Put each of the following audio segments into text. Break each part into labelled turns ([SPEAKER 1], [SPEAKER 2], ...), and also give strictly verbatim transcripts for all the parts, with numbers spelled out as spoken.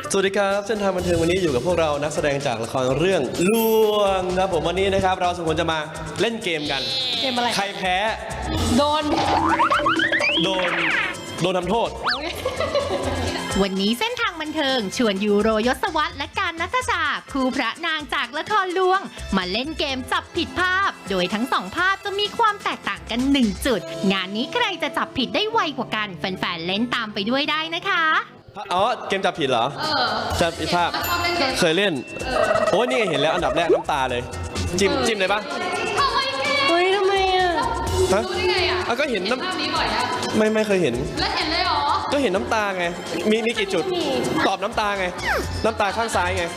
[SPEAKER 1] สวัสดีครับเส้นทางบันเทิงวันนี้อยู่กับพวกเรานักแสดงจากละครเรื่องลวงครับผมวันนี้นะครับเราสองคนจะมาเล่นเกมกัน
[SPEAKER 2] เกมอะไร
[SPEAKER 1] ใครแพ้
[SPEAKER 2] โดน
[SPEAKER 1] โดนโดนทำโทษ
[SPEAKER 3] วันนี้เส้นทางบันเทิงชวนยูโรยศวรรษและการณัฐชาคู่พระนางจากละครลวงมาเล่นเกมจับผิดภาพโดยทั้งสองภาพจะมีความแตกต่างกันหนึ่งจุดงานนี้ใครจะจับผิดได้ไวกว่ากันแฟนๆเล่นตามไปด้วยได้นะคะ
[SPEAKER 1] อ๋อเกมจับผิดเหรอจับผิดภาพเคยเล่นโอ้ยนี่ไงเห็นแล้วอันดับแรกน้ำตาเลยจิ้มจิ้มเลยปะ
[SPEAKER 2] เฮ้ยทำไมอ่ะ
[SPEAKER 4] รู้ได้ไงอ่ะ
[SPEAKER 1] ก็เห็นน้
[SPEAKER 4] ำภาพนี้บ่อยอ่ะ
[SPEAKER 1] ไม่ไม่เคยเห็น
[SPEAKER 4] แล้วเห็นเลยเหรอ
[SPEAKER 1] ก็เห็นน้ำตาไงมีมีกี่จุดตอบน้ำตาไงน้ำตาข้างซ้ายไง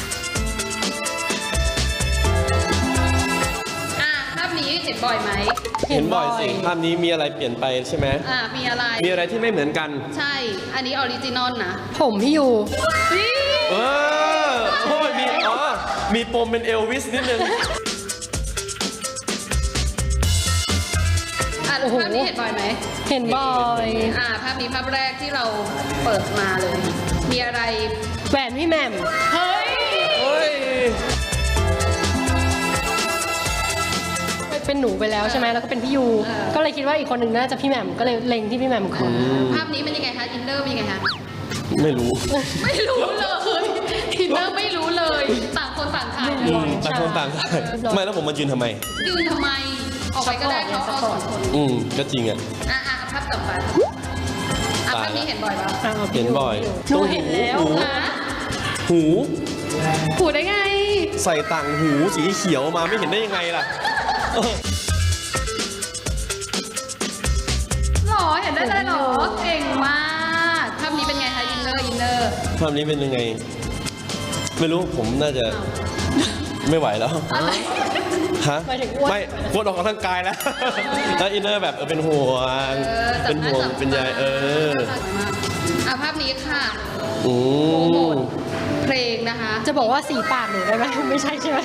[SPEAKER 4] อ่ะภาพนี้เห็นบ่อยไหม
[SPEAKER 1] เห็นบ่อยสิภาพนี้มีอะไรเปลี่ยนไปใช่ไหม
[SPEAKER 4] อ่ะมีอะไร
[SPEAKER 1] มีอะไรที่ไม่เหมือนกัน
[SPEAKER 4] ใช่อันนี้ออริจินอลนะ
[SPEAKER 2] ผมพี่ยู
[SPEAKER 1] เออโอ้ยมีอ๋อมีปมเป็นเอลวิสนิดนึง
[SPEAKER 4] อ่ะภาพนี้เห็นบ่อยไหม
[SPEAKER 2] เห็นบ่อย
[SPEAKER 4] อ่ะภาพนี้ภาพแรกที่เราเปิดมาเลยมีอะไร
[SPEAKER 2] แหวนพี่แหม่ม
[SPEAKER 4] เฮ้ย
[SPEAKER 1] เฮ้ย
[SPEAKER 2] เป็นหนูไปแล้วใช่ไหมแล้วก็เป็นพี่ยูก็เลยคิดว่าอีกคนหนึ่งน่าจะพี่แหม่มก็เลยเล็งที่พี่แหม่มก่อน
[SPEAKER 4] ภาพนี้มันยังไงคะอินเนอร์เป็นยังไงคะ
[SPEAKER 1] ไม่รู้
[SPEAKER 4] ไม่รู้เลยอินเนอร์ไม่รู้เลยต่างคนต่างถ่าย
[SPEAKER 1] ต่างคนต่างถ่ายไม่แล้วผมมายืนทำไม
[SPEAKER 4] ยืนทำไมออกไปก็ได้เขาเอาสองคน
[SPEAKER 1] อืมก็จริงอ่ะ
[SPEAKER 4] อ่ะอ่ะภาพต่อไปอ่ะภาพนี้เห็นบ่อยปะ
[SPEAKER 1] เห็นบ่อย
[SPEAKER 2] หนูเห็นแล้ว
[SPEAKER 1] หู
[SPEAKER 4] หูได้ไง
[SPEAKER 1] ใส่ต่างหูสีเขียวมาไม่เห็นได้ยังไงล่ะ
[SPEAKER 4] หรอเห็นได้เลยหรอเก่งมากภาพนี้เป็นไงคะอินเนอร์อินเนอร์
[SPEAKER 1] ภาพนี้เป็นยังไงไม่รู้ผมน่าจะไม่ไหวแล้วฮะไม่ปวดออกกำลังกายแล้วแล้วอินเนอร์แบบเป็นห่วงเป็นห่วงเป็นใยเออ
[SPEAKER 4] อ่ะภาพนี้ค่ะ
[SPEAKER 1] โอ้
[SPEAKER 4] เพลงนะคะ
[SPEAKER 2] จะบอกว่าสีปากหนูได้ไหมไม่ใช่ใช่ไหม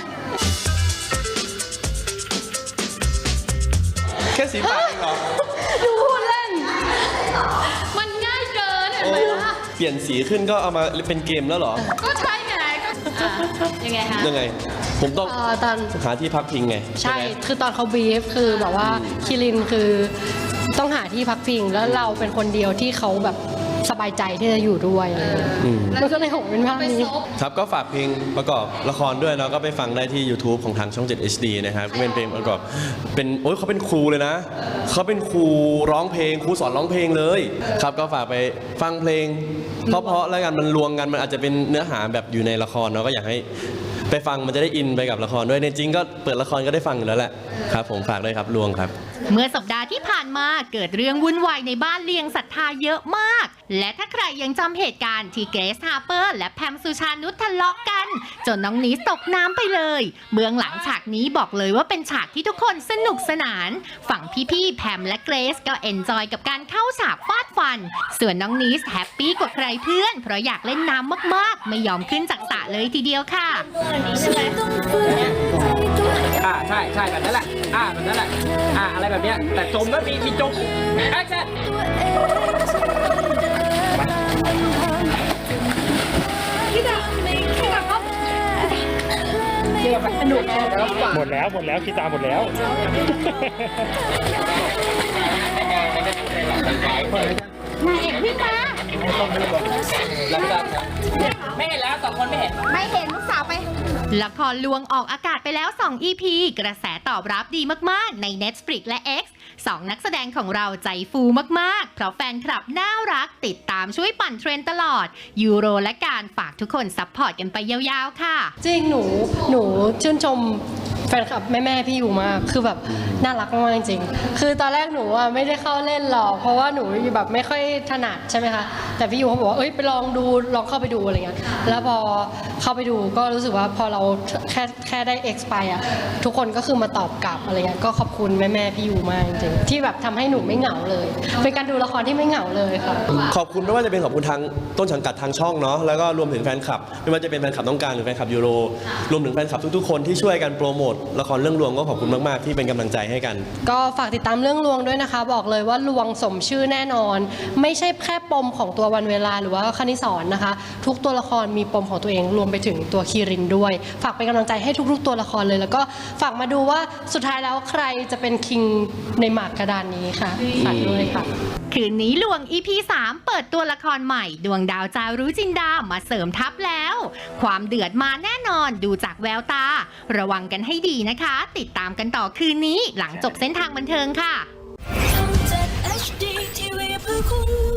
[SPEAKER 1] แค่สีปากเองเหรอ
[SPEAKER 2] ดูพูดเล่น
[SPEAKER 4] มันง่ายเกินเห็นไหมล่ะ
[SPEAKER 1] เปลี่ยนสีขึ้นก็เอามาเป็นเกมแล้วเหรอ
[SPEAKER 4] ก็ใช่ไงก็ยังไงคะ
[SPEAKER 1] ยังไงผมต้อง
[SPEAKER 2] ตอน
[SPEAKER 1] หาที่พักพิงไง
[SPEAKER 2] ใช่คือตอนเขาบีฟคือแบบว่าคิรินคือต้องหาที่พักพิงแล้วเราเป็นคนเดียวที่เขาแบบสบายใจที่จะอยู่ด้วยอะไรอย่างเงี้ยแล้วก็เลยหงเป็นภาพนี้
[SPEAKER 1] ครับก็ฝากเพลงประกอบละครด้วยเนาะก็ไปฟังได้ที่ YouTube ของทางช่องเจ็ด เอช ดี นะครับเป็นเพลงประกอบเป็นโอ้ยเขาเป็นครูเลยนะเขาเป็นครูร้องเพลงครูสอนร้องเพลงเลยครับก็ฝากไปฟังเพลงเพราะๆแล้วกันมันรวมกันมันอาจจะเป็นเนื้อหาแบบอยู่ในละครเนาะก็อยากให้ไปฟังมันจะได้อินไปกับละครด้วยในจริงก็เปิดละครก็ได้ฟังอยู่แล้วแหละครับผมฝากด้วยครับลวงครับ
[SPEAKER 3] เมื่อสัปดาห์ที่ผ่านมาเกิดเรื่องวุ่นวายในบ้านเลียงศรัทธาเยอะมากและถ้าใครยังจำเหตุการณ์ที่เกรซฮาร์เปอร์และแพมสุชานุชทะเลาะกันจนน้องนีสตกน้ำไปเลยเบื้องหลังฉากนี้บอกเลยว่าเป็นฉากที่ทุกคนสนุกสนานฝั่งพี่ๆแพมและเกรซก็เอนจอยกับการเข้าฉากฟาดฟันส่วนน้องนีสแฮปปี้กว่าใครเพื่อนเพราะอยากเล่นน้ำมากๆไม่ยอมขึ้นจากสระเลยทีเดียวค่ะ
[SPEAKER 5] อ่าใช่ใช่แบบนั้นแหละอ่าแบบนั้นแหละอ่าอะไรแบบเนี้ยแต่จมก็มีมีจมแอคชั่น
[SPEAKER 4] พี่ดาพี่ดาครับ
[SPEAKER 2] เดี๋ยวสนุกแน่
[SPEAKER 5] หมดแล้วหมดแล้วคิดตามหมดแล้ว
[SPEAKER 3] นายเอกวิ่งมา
[SPEAKER 5] ไม่เห็นแล้วสองคนไม่เห็น
[SPEAKER 3] ไม่เห็นลูกสาวไปละครลวงออกอากาศไปแล้วสอง อี พี กระแสตอบรับดีมากๆใน Netflix และ X สองนักแสดงของเราใจฟูมากๆเพราะแฟนคลับน่ารักติดตามช่วยปั่นเทรนด์ตลอดยูโรและการฝากทุกคนซัพพอร์ตกันไปยาวๆค่ะ
[SPEAKER 2] จริงหนูหนูชื่นชมแฟนคลับแม่ๆพี่อยู่มากคือแบบน่ารักมากจริงคือตอนแรกหนูอ่ะไม่ได้เข้าเล่นหรอกเพราะว่าหนูแบบไม่ค่อยถนัดใช่ไหมคะแต่พี่ยูเขาบอกว่าเอ้ยไปลองดูลองเข้าไปดูอะไรเงี้ยแล้วพอเข้าไปดูก็รู้สึกว่าพอเราแค่แค่ได้ X ไปอ่ะทุกคนก็คือมาตอบกลับอะไรเงี้ยก็ขอบคุณแม่ๆพี่ยูมากจริงๆที่แบบทำให้หนูไม่เหงาเลยเป็นการดูละครที่ไม่เหงาเลยค่ะ
[SPEAKER 1] ขอบคุณไม่ว่าจะเป็นขอบคุณทางต้นสังกัดทางช่องเนาะแล้วก็รวมถึงแฟนคลับไม่ว่าจะเป็นแฟนคลับต้องการหรือแฟนคลับยูโรรวมถึงแฟนคลับทุกๆคนที่ช่วยกันโปรโมทละครเรื่องลวงก็ขอบคุณมากๆที่เป็นกำลังใจให้กัน
[SPEAKER 2] ก็ฝากติดตามเรื่องลวงด้วยนะคะ บอกเลยว่าลวงสมชื่อแน่นอน ไม่ใช่แค่ปมของตัววันเวลาหรือว่าคณิสรนะคะ ทุกตัวละครมีปมของตัวเองรวมไปถึงตัวคีรินด้วย ฝากเป็นกำลังใจให้ทุกๆตัวละครเลย แล้วก็ฝากมาดูว่าสุดท้ายแล้วใครจะเป็นคิงในหมากกระดานนี้ค่ะฝากด้วยค่ะ
[SPEAKER 3] คืนนี้ลวง อี พี สาม เปิดตัวละครใหม่ ดวงดาวจารุจินดามาเสริมทัพแล้ว ความเดือดมาแน่นอนดูจากแววตา ระวังกันให้ดีนะคะ ติดตามกันต่อคืนนี้หลังจบเส้นทางบันเทิงค่ะ
[SPEAKER 6] ช่อง เจ็ด เอช ดี ที วี เพื่อคุณ